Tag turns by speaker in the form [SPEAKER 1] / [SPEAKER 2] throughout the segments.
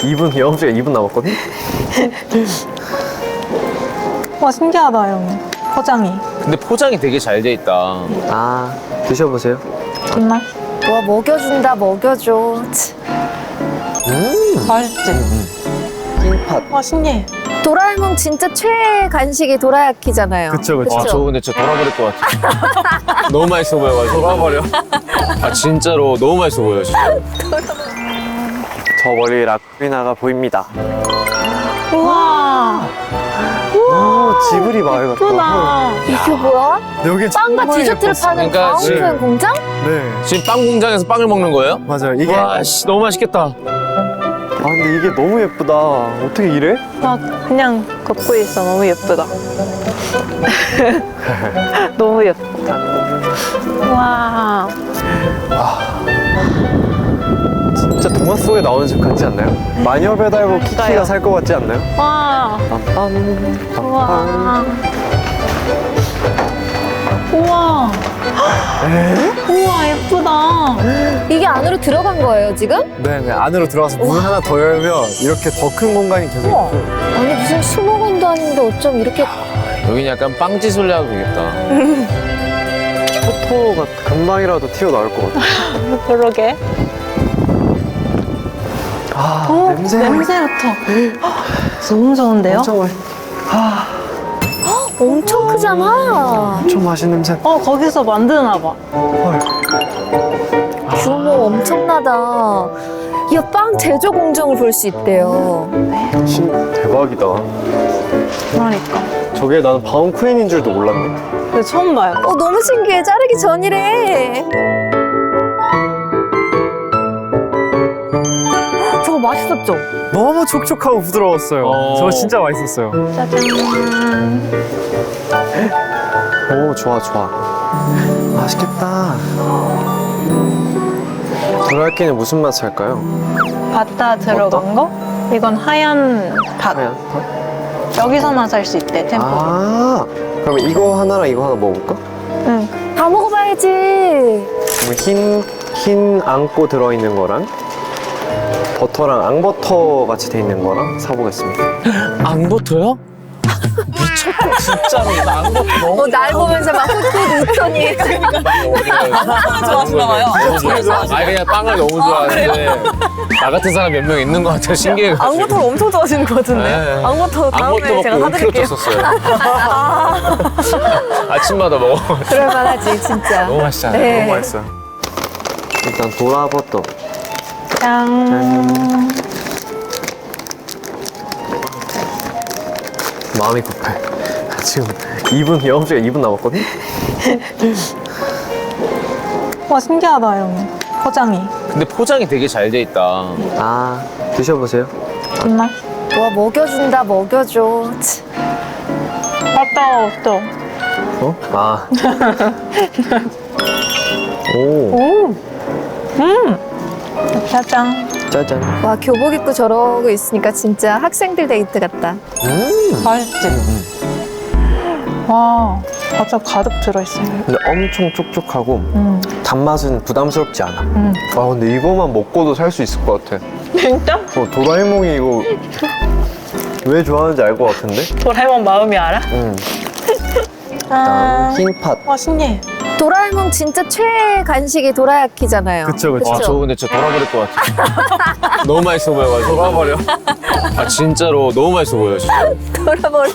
[SPEAKER 1] 2분, 영업시간 2분 남았거든?
[SPEAKER 2] 와, 신기하다, 형. 포장이.
[SPEAKER 3] 근데 포장이 되게 잘 돼 있다.
[SPEAKER 1] 아, 드셔보세요.
[SPEAKER 2] 정말?
[SPEAKER 4] 와, 먹여준다, 먹여줘.
[SPEAKER 2] 맛있지?
[SPEAKER 1] 흰팥.
[SPEAKER 2] 와, 신기해.
[SPEAKER 4] 도라에몽 진짜 최애 간식이 도라야키잖아요.
[SPEAKER 1] 그쵸, 그쵸.
[SPEAKER 3] 와, 저 근데 진짜 돌아버릴 것 같아. 너무 맛있어 보여가지고. 돌아버려? 아, 진짜로 너무 맛있어 보여, 진짜.
[SPEAKER 1] 저 멀리 라쿠리나가 보입니다.
[SPEAKER 2] 우와.
[SPEAKER 1] 오, 지브리 마을 같다.
[SPEAKER 2] 예쁘다.
[SPEAKER 4] 이게 뭐야?
[SPEAKER 1] 여기
[SPEAKER 4] 빵과 디저트를 파는
[SPEAKER 3] 그러니까
[SPEAKER 4] 가온표현 공장?
[SPEAKER 1] 네,
[SPEAKER 3] 지금 빵 공장에서 빵을 먹는 거예요?
[SPEAKER 1] 맞아요. 이게.
[SPEAKER 3] 와, 씨, 너무 맛있겠다.
[SPEAKER 1] 아, 근데 이게 너무 예쁘다. 어떻게 이래?
[SPEAKER 2] 나 그냥 걷고 있어. 너무 예쁘다. 너무 예쁘다. 와.
[SPEAKER 1] 진짜 동화 속에 나오는 집 같지 않나요? 마녀 배달부 키키가 살 것 같지 않나요?
[SPEAKER 2] 와.
[SPEAKER 1] 빰빰,
[SPEAKER 2] 우와.
[SPEAKER 1] 빰빰.
[SPEAKER 2] 우와. 우와, 예쁘다.
[SPEAKER 4] 이게 안으로 들어간 거예요, 지금?
[SPEAKER 1] 네, 네, 안으로 들어가서 문 하나 더 열면 이렇게 더 큰 공간이 계속
[SPEAKER 4] 우와.
[SPEAKER 1] 있고.
[SPEAKER 4] 아니, 무슨 수목원도 아닌데 어쩜 이렇게.
[SPEAKER 3] 여긴 약간 빵지술래 하도 되겠다.
[SPEAKER 1] 토토가 금방이라도 튀어나올 것 같아.
[SPEAKER 2] 그러게.
[SPEAKER 1] 아, 냄새.
[SPEAKER 2] 냄새부터. 너무 좋은데요?
[SPEAKER 1] 엄청,
[SPEAKER 4] 엄청 크잖아.
[SPEAKER 1] 엄청 맛있는 냄새.
[SPEAKER 2] 거기서 만드나 봐.
[SPEAKER 1] 헐.
[SPEAKER 4] 규모 엄청나다. 야, 빵 제조 공정을 볼 수 있대요.
[SPEAKER 1] 대박이다.
[SPEAKER 2] 그러니까.
[SPEAKER 1] 저게 나는 바움쿠엔인 줄도 몰랐네.
[SPEAKER 2] 근데 처음 봐요.
[SPEAKER 4] 너무 신기해. 자르기 전이래. 저거 맛있었죠?
[SPEAKER 1] 너무 촉촉하고 부드러웠어요.
[SPEAKER 3] 어.
[SPEAKER 1] 저 진짜 맛있었어요.
[SPEAKER 2] 짜잔.
[SPEAKER 1] 오, 좋아, 좋아. 맛있겠다. 도라야끼는 무슨 맛 살까요?
[SPEAKER 2] 바타 들어간 거? 이건 하얀 밥.
[SPEAKER 1] 하얀 팥?
[SPEAKER 2] 여기서만 살 수 있대, 템포.
[SPEAKER 1] 아, 그럼 이거 하나랑 이거 하나 먹어볼까?
[SPEAKER 2] 응.
[SPEAKER 4] 다 먹어봐야지.
[SPEAKER 1] 그럼 흰 앙꼬 들어있는 거랑 버터랑 앙버터 같이 돼 있는 거랑 사보겠습니다.
[SPEAKER 3] 앙버터요? 미쳤다, 진짜로. 나 앙버터 너무
[SPEAKER 4] 날 보면서 막 훗훗 웃더니.
[SPEAKER 3] 좋아하시나 봐요. 아니, 그냥 빵을 너무 좋아하는데. 나 같은 사람 몇 명 있는 것 같아요, 신기해가지고.
[SPEAKER 2] 앙버터를 엄청 좋아하시는 것 같은데.
[SPEAKER 3] 네.
[SPEAKER 2] 앙버터
[SPEAKER 3] 앙버터
[SPEAKER 2] 다음에
[SPEAKER 3] 먹고
[SPEAKER 2] 제가
[SPEAKER 3] 5kg
[SPEAKER 2] 사드릴게요.
[SPEAKER 3] 쪘었어요. 아침마다 먹어.
[SPEAKER 4] 그럴만하지, 진짜.
[SPEAKER 3] 너무 맛있잖아요.
[SPEAKER 4] 네.
[SPEAKER 1] 너무 맛있어요. 일단 도라버터.
[SPEAKER 2] 짠.
[SPEAKER 1] 마음이 급해. 지금 2분, 영업시간 2분 남았거든?
[SPEAKER 2] 와, 신기하다, 형. 포장이.
[SPEAKER 3] 근데 포장이 되게 잘 돼 있다.
[SPEAKER 1] 아, 드셔보세요.
[SPEAKER 2] 정말?
[SPEAKER 4] 와, 먹여준다, 먹여줘.
[SPEAKER 2] 맞다, 없어.
[SPEAKER 1] 어? 아. 오,
[SPEAKER 2] 오. 짜잔.
[SPEAKER 1] 짜잔.
[SPEAKER 4] 와, 교복 입고 저러고 있으니까 진짜 학생들 데이트 같다.
[SPEAKER 2] 맛있지? 와, 과자 가득 들어있어요.
[SPEAKER 1] 근데 엄청 촉촉하고 단맛은 부담스럽지 않아. 아, 근데 이거만 먹고도 살 수 있을 것 같아.
[SPEAKER 2] 진짜?
[SPEAKER 1] 도라에몽이 이거 왜 좋아하는지 알 것 같은데?
[SPEAKER 2] 도라에몽 마음이 알아?
[SPEAKER 1] 응.
[SPEAKER 2] 짠.
[SPEAKER 1] 흰팥.
[SPEAKER 2] 와, 신기해.
[SPEAKER 4] 도라에몽 진짜 최애 간식이 도라야키잖아요.
[SPEAKER 1] 그쵸, 그쵸.
[SPEAKER 3] 와, 저 근데 진짜 돌아버릴 것 같아. 너무 맛있어 보여가지고. 돌아버려? 아, 진짜로 너무 맛있어 보여, 진짜.
[SPEAKER 4] 돌아버리.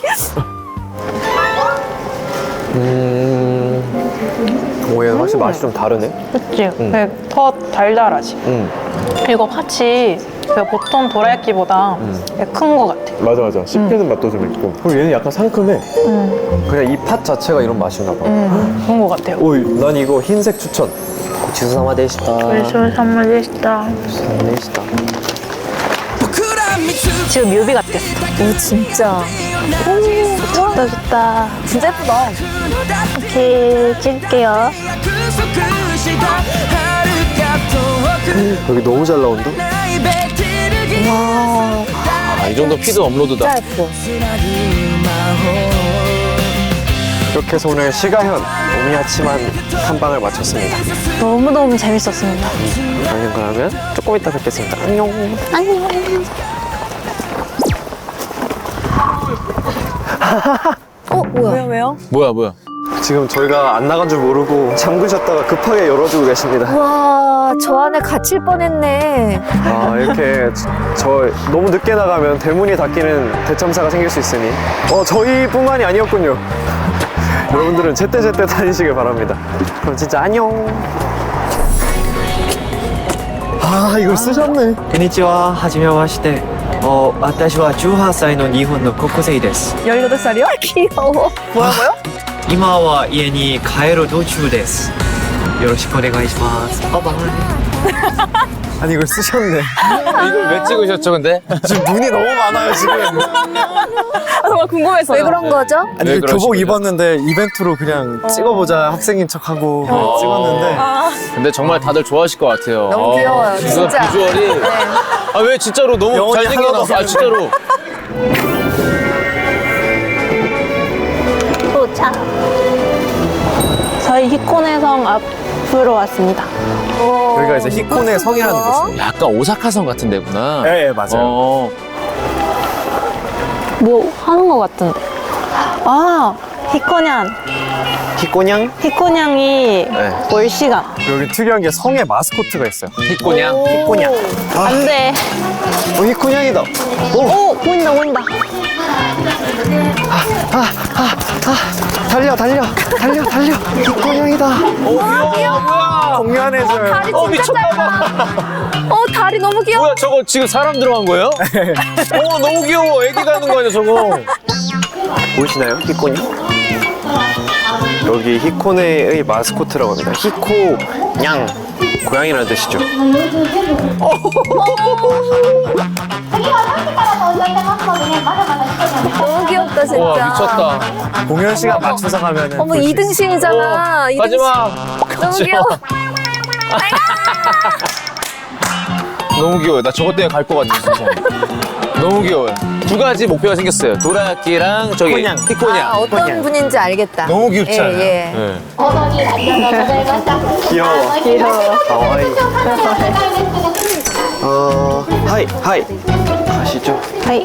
[SPEAKER 1] 오, 얘 확실히 맛이 좀 다르네.
[SPEAKER 2] 그치? 더 달달하지?
[SPEAKER 1] 응.
[SPEAKER 2] 그리고 팥이 보통 도라야끼보다 큰 거 같아.
[SPEAKER 1] 맞아, 맞아. 씹히는 맛도 좀 있고. 그리고 얘는 약간 상큼해. 그냥 이 팥 자체가 이런 맛인가 봐.
[SPEAKER 2] 그런 거 같아요.
[SPEAKER 1] 오, 난 이거 흰색 추천. 고치수사마 되시다.
[SPEAKER 2] 술 선물 되시다.
[SPEAKER 1] 되시다.
[SPEAKER 2] 지금 뮤비 같겠어.
[SPEAKER 4] 오, 진짜.
[SPEAKER 2] 좋다, 좋다.
[SPEAKER 4] 진짜 예쁘다.
[SPEAKER 2] 오케이, 찍을게요.
[SPEAKER 1] 여기 너무 잘 나온다.
[SPEAKER 4] 와,
[SPEAKER 3] 아, 이 정도 피드 업로드다.
[SPEAKER 4] 진짜 예뻐.
[SPEAKER 1] 이렇게 해서 오늘 시가현 오미야치만 탐방을 마쳤습니다.
[SPEAKER 2] 너무너무 재밌었습니다.
[SPEAKER 1] 저희는 그러면 조금 이따 뵙겠습니다. 안녕.
[SPEAKER 2] 안녕.
[SPEAKER 4] 뭐야?
[SPEAKER 2] 왜요?
[SPEAKER 3] 뭐야?
[SPEAKER 1] 지금 저희가 안 나간 줄 모르고 잠그셨다가 급하게 열어주고 계십니다.
[SPEAKER 4] 와, 저 안에 갇힐 뻔했네.
[SPEAKER 1] 아, 이렇게 저 너무 늦게 나가면 대문이 닫히는 대참사가 생길 수 있으니 저희뿐만이 아니었군요. 여러분들은 제때제때 다니시길 바랍니다. 그럼 진짜 안녕. 아, 이걸 쓰셨네.
[SPEAKER 5] こんにちは、はじめまして。私は18歳の日本の高校生です。
[SPEAKER 2] 18살이요?
[SPEAKER 4] 귀여워.
[SPEAKER 2] 뭐라고요?
[SPEAKER 5] 今は家に帰る途中です。よろしくお願いします。バイバイ。
[SPEAKER 1] 아니, 이걸 쓰셨네.
[SPEAKER 3] 이걸 왜 찍으셨죠, 근데?
[SPEAKER 1] 지금 눈이 너무 많아요, 지금.
[SPEAKER 2] 정말 궁금해서요.
[SPEAKER 4] 왜 그런 거죠?
[SPEAKER 1] 아니,
[SPEAKER 3] 왜
[SPEAKER 1] 그 교복
[SPEAKER 3] 그러십니까?
[SPEAKER 1] 입었는데 이벤트로 그냥 찍어보자 학생인 척하고 찍었는데
[SPEAKER 3] 근데 정말 다들 좋아하실 것 같아요.
[SPEAKER 4] 너무 귀여워요,
[SPEAKER 3] 이거
[SPEAKER 4] 진짜.
[SPEAKER 3] 비주얼이. 아, 왜 진짜로 너무
[SPEAKER 1] 영혼이
[SPEAKER 3] 잘생겨
[SPEAKER 1] 하나도
[SPEAKER 3] 나왔어. 아,
[SPEAKER 1] 없는
[SPEAKER 3] 진짜로.
[SPEAKER 2] 도착. 저희 히코네 성 앞으로 왔습니다.
[SPEAKER 1] 여기가 이제 히코네 성이라는 곳입니다.
[SPEAKER 3] 약간 오사카성 같은 데구나.
[SPEAKER 1] 네, 맞아요.
[SPEAKER 2] 뭐 하는 것 같은데. 아, 히코냥.
[SPEAKER 1] 히코냥?
[SPEAKER 2] 히코냥이
[SPEAKER 1] 네.
[SPEAKER 2] 올 시간.
[SPEAKER 1] 여기 특이한 게 성에 마스코트가 있어요.
[SPEAKER 3] 히코냥.
[SPEAKER 1] 히코냥.
[SPEAKER 2] 안 돼.
[SPEAKER 1] 히코냥이다.
[SPEAKER 2] 오, 보인다, 보인다.
[SPEAKER 1] 달려. 히코냥이다.
[SPEAKER 4] 귀여워.
[SPEAKER 1] 공연해줘요.
[SPEAKER 4] 다리 진짜 짧아. 다리 너무 귀여워.
[SPEAKER 3] 뭐야, 저거 지금 사람 들어간 거예요? 너무 귀여워. 애기 가는 거 아니야, 저거.
[SPEAKER 1] 보이시나요? 히코냥? 여기 히코네의 마스코트라고 합니다. 히코냥. 고양이라는 뜻이죠.
[SPEAKER 4] 너무 귀엽다, 진짜.
[SPEAKER 3] 와, 미쳤다.
[SPEAKER 1] 공연 시간 맞춰서 가면은.
[SPEAKER 4] 어머, 2등신이잖아.
[SPEAKER 3] 가지 마.
[SPEAKER 4] 너무 귀여워.
[SPEAKER 3] 너무 귀여워요. 나 저것 때문에 갈 것 같아, 진짜. 너무 귀여워요. 두 가지 목표가 생겼어요. 도라야끼랑 저기
[SPEAKER 1] 히코냥.
[SPEAKER 3] 히코냥.
[SPEAKER 4] 어떤 분인지 알겠다.
[SPEAKER 3] 너무 귀엽지 않아요?
[SPEAKER 4] 예.
[SPEAKER 3] 네.
[SPEAKER 1] 귀여워. 가와이. 하이. 가시죠.
[SPEAKER 2] 하이.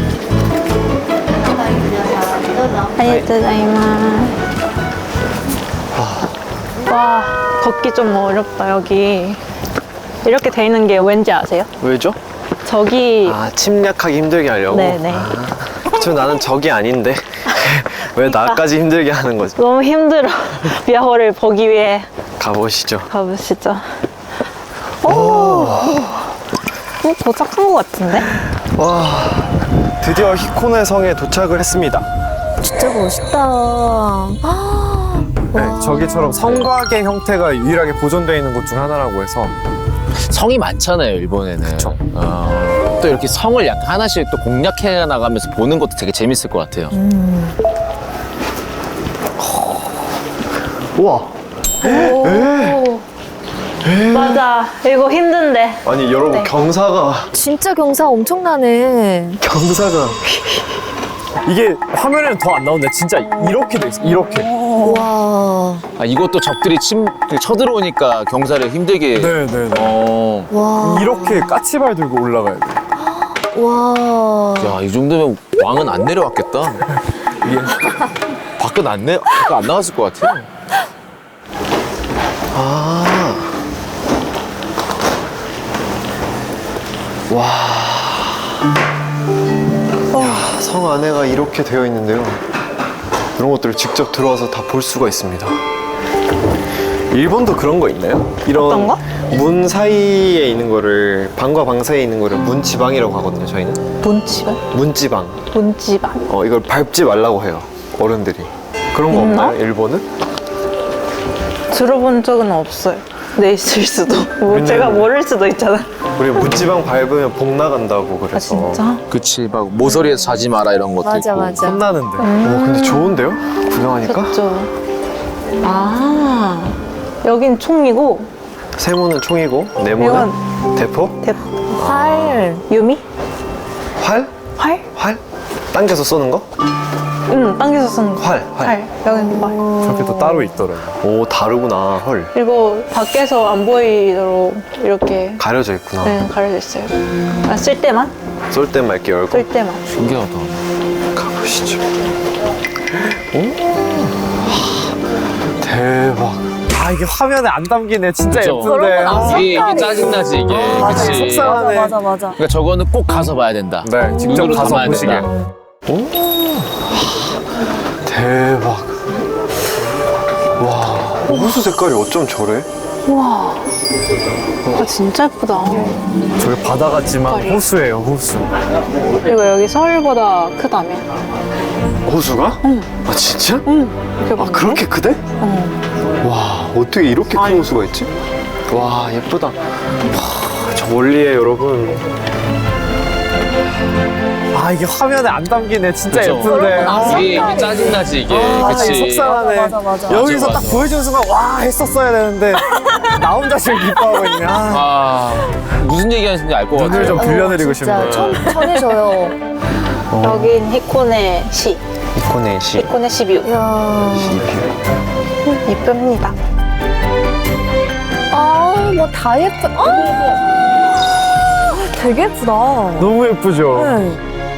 [SPEAKER 2] 아리가토고자이마스. 와, 걷기 좀 어렵다, 여기. 이렇게 돼 있는 게 왠지 아세요?
[SPEAKER 1] 왜죠?
[SPEAKER 2] 저기.
[SPEAKER 1] 침략하기 힘들게 하려고?
[SPEAKER 2] 네네.
[SPEAKER 1] 나는 적이 아닌데. 왜 나까지 힘들게 하는 거지?
[SPEAKER 2] 너무 힘들어. 미아호를 보기 위해
[SPEAKER 1] 가보시죠.
[SPEAKER 2] 가보시죠. 오, 도착한 것 같은데?
[SPEAKER 1] 와, 드디어 히코네 성에 도착을 했습니다.
[SPEAKER 4] 진짜 멋있다.
[SPEAKER 1] 네, 저기처럼 성곽의 형태가 유일하게 보존되어 있는 곳 중 하나라고 해서
[SPEAKER 3] 성이 많잖아요, 일본에는.
[SPEAKER 1] 그쵸.
[SPEAKER 3] 또 이렇게 성을 약간 하나씩 또 공략해 나가면서 보는 것도 되게 재밌을 것 같아요.
[SPEAKER 1] 우와.
[SPEAKER 2] 맞아. 이거 힘든데.
[SPEAKER 1] 아니 여러분
[SPEAKER 2] 네.
[SPEAKER 1] 경사가
[SPEAKER 4] 진짜 경사 엄청나네.
[SPEAKER 1] 이게 화면에는 더 안 나오는데 진짜 이렇게 돼 있어. 이렇게.
[SPEAKER 4] 와.
[SPEAKER 3] 이것도 적들이 쳐들어오니까 경사를 힘들게.
[SPEAKER 1] 네네네.
[SPEAKER 4] 와.
[SPEAKER 1] 이렇게 까치발 들고 올라가야 돼.
[SPEAKER 4] 와.
[SPEAKER 3] 야, 이 정도면 왕은 안 내려왔겠다. 이게 밖은 안 나갔을 것 같아요.
[SPEAKER 1] 와. 성 안에가 이렇게 되어 있는데요. 이런 것들을 직접 들어와서 다 볼 수가 있습니다. 일본도 그런 거 있나요? 이런
[SPEAKER 2] 어떤 거?
[SPEAKER 1] 문 사이에 있는 거를 방과 방 사이에 있는 거를 문지방이라고 하거든요. 저희는
[SPEAKER 2] 문지방?
[SPEAKER 1] 문지방.
[SPEAKER 2] 문지방.
[SPEAKER 1] 이걸 밟지 말라고 해요. 어른들이. 그런 거
[SPEAKER 2] 있나?
[SPEAKER 1] 없나요? 일본은?
[SPEAKER 2] 들어본 적은 없어요. 네, 있을 수도. 뭐
[SPEAKER 1] 왜냐면-
[SPEAKER 2] 제가 모를 수도 있잖아.
[SPEAKER 1] 우리 문지방 밟으면 복 나간다고 그래서.
[SPEAKER 2] 아, 진짜?
[SPEAKER 3] 그치, 막 모서리에서 자지 마라 이런 것도
[SPEAKER 4] 맞아,
[SPEAKER 3] 있고.
[SPEAKER 4] 맞아.
[SPEAKER 1] 혼나는데. 근데 좋은데요? 구경하니까?
[SPEAKER 2] 그쵸. 아, 여긴 총이고,
[SPEAKER 1] 세모는 총이고 네모는 대포?
[SPEAKER 4] 활.
[SPEAKER 2] 유미?
[SPEAKER 1] 활?
[SPEAKER 2] 활?
[SPEAKER 1] 활? 당겨서 쏘는 거?
[SPEAKER 2] 응, 당겨서 쓰는 거.
[SPEAKER 1] 활.
[SPEAKER 2] 여긴 활.
[SPEAKER 1] 저렇게 또 따로 있더라고요. 오, 다르구나. 헐.
[SPEAKER 2] 그리고 밖에서 안 보이도록 이렇게
[SPEAKER 1] 가려져 있구나.
[SPEAKER 2] 네, 가려져 있어요. 쓸 때만?
[SPEAKER 1] 쏠 때만 이렇게 열고
[SPEAKER 2] 쓸 때만.
[SPEAKER 3] 신기하다.
[SPEAKER 1] 가보시죠. 대박. 아 이게 화면에 안 담기네. 진짜
[SPEAKER 3] 그쵸?
[SPEAKER 1] 예쁜데.
[SPEAKER 3] 이게 짜증나지 이게. 그치?
[SPEAKER 1] 속상하네.
[SPEAKER 4] 맞아.
[SPEAKER 3] 그러니까 저거는 꼭 가서 봐야 된다.
[SPEAKER 1] 네, 직접
[SPEAKER 3] 눈으로
[SPEAKER 1] 가서
[SPEAKER 3] 담아야
[SPEAKER 1] 보시게.
[SPEAKER 3] 된다.
[SPEAKER 1] 오, 대박. 와, 호수 색깔이 어쩜 저래?
[SPEAKER 2] 와, 진짜 예쁘다.
[SPEAKER 1] 저기 바다 같지만
[SPEAKER 2] 색깔이.
[SPEAKER 1] 호수예요, 호수.
[SPEAKER 2] 그리고 여기 서울보다 크다며.
[SPEAKER 1] 호수가?
[SPEAKER 2] 응.
[SPEAKER 1] 아 진짜?
[SPEAKER 2] 응. 이렇게
[SPEAKER 1] 아 그렇게 크대?
[SPEAKER 2] 응.
[SPEAKER 1] 와 어떻게 이렇게 큰 호수가 있지? 와 예쁘다. 와, 저 멀리에 여러분. 아 이게 화면에 안 담기네. 진짜
[SPEAKER 3] 그쵸?
[SPEAKER 1] 예쁜데.
[SPEAKER 3] 이게 짜증나지 이게.
[SPEAKER 1] 아,
[SPEAKER 3] 그치?
[SPEAKER 1] 속상하네.
[SPEAKER 4] 맞아.
[SPEAKER 1] 여기서
[SPEAKER 3] 맞아,
[SPEAKER 1] 딱
[SPEAKER 3] 맞아.
[SPEAKER 1] 보여주는 순간 와 했었어야 되는데 나 혼자 지금 기뻐하고 있네. 아,
[SPEAKER 3] 아 무슨 얘기하는지 알 것 같아요.
[SPEAKER 1] 눈을 좀 빌려드리고 싶네.
[SPEAKER 4] 전해줘요.
[SPEAKER 2] 여긴 히코네 시.
[SPEAKER 1] 이코네시.
[SPEAKER 2] 히코네 시뷰.
[SPEAKER 4] 야.
[SPEAKER 2] 이쁩니다.
[SPEAKER 4] 뭐 다 예쁜. 되게 예쁘다.
[SPEAKER 1] 너무 예쁘죠?
[SPEAKER 4] 네.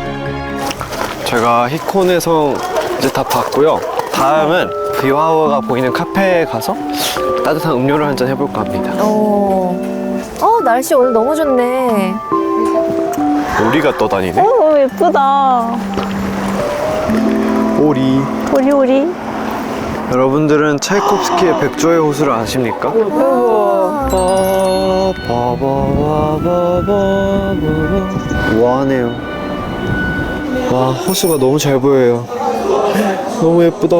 [SPEAKER 1] 제가 히코네 성 이제 다 봤고요. 다음은 비와워가 보이는 카페에 가서 따뜻한 음료를 한잔 해볼까 합니다.
[SPEAKER 4] 날씨 오늘 너무 좋네.
[SPEAKER 1] 오리가 떠다니네.
[SPEAKER 2] 너무 예쁘다.
[SPEAKER 1] 오리.
[SPEAKER 2] 오리오리.
[SPEAKER 1] 여러분들은 차이콥스키의 백조의 호수를 아십니까? 우아하네요. 와 호수가 너무 잘 보여요. 너무 예쁘다.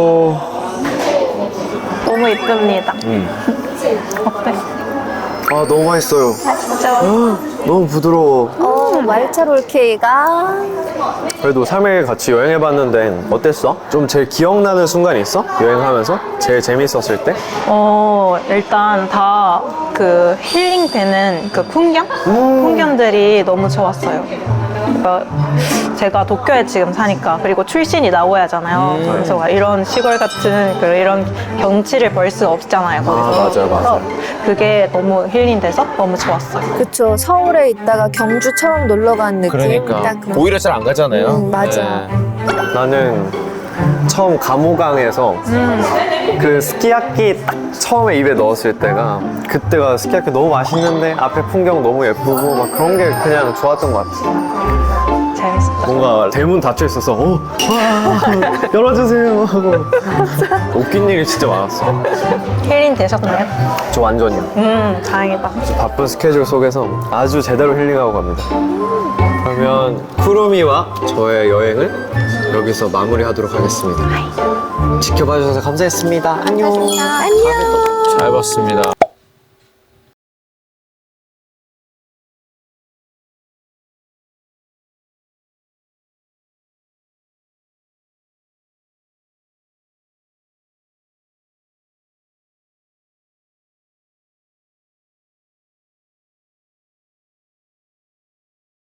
[SPEAKER 2] 너무 예쁩니다. 어때?
[SPEAKER 1] 아 너무 맛있어요.
[SPEAKER 2] 진짜
[SPEAKER 1] 너무 부드러워.
[SPEAKER 4] 말차 롤케이크가.
[SPEAKER 1] 그래도 3일 같이 여행해봤는데 어땠어? 좀 제일 기억나는 순간이 있어? 여행하면서? 제일 재밌었을 때?
[SPEAKER 2] 일단 다 그 힐링되는 그 풍경들이 너무 좋았어요. 그러니까 제가 도쿄에 지금 사니까 그리고 출신이 나고야잖아요. 그래서 막 이런 시골 같은 이런 경치를 볼 수 없잖아요. 거기서.
[SPEAKER 1] 맞아요.
[SPEAKER 2] 그래서 그게 너무 힐링돼서 너무 좋았어요.
[SPEAKER 4] 그쵸. 서울에 있다가 경주 처음 놀러 간 느낌.
[SPEAKER 3] 그러니까
[SPEAKER 4] 딱 그런.
[SPEAKER 3] 오히려 잘 안 가잖아요.
[SPEAKER 4] 맞아.
[SPEAKER 3] 네.
[SPEAKER 1] 나는 처음 감호강에서 그 스키야키 딱 처음에 입에 넣었을 때가 그때가 스키야키 너무 맛있는데 앞에 풍경 너무 예쁘고 막 그런 게 그냥 좋았던 것 같아.
[SPEAKER 2] 재밌었다.
[SPEAKER 1] 뭔가 대문 닫혀 있어서 와 열어주세요 하고 웃긴 일이 진짜 많았어.
[SPEAKER 2] 힐링 되셨나요?
[SPEAKER 1] 저 완전요.
[SPEAKER 2] 다행이다.
[SPEAKER 1] 바쁜 스케줄 속에서 아주 제대로 힐링하고 갑니다. 그러면 쿠루미와 저의 여행을 여기서 마무리하도록 하겠습니다. 지켜봐 주셔서 감사했습니다. 안녕.
[SPEAKER 3] 잘 봤습니다.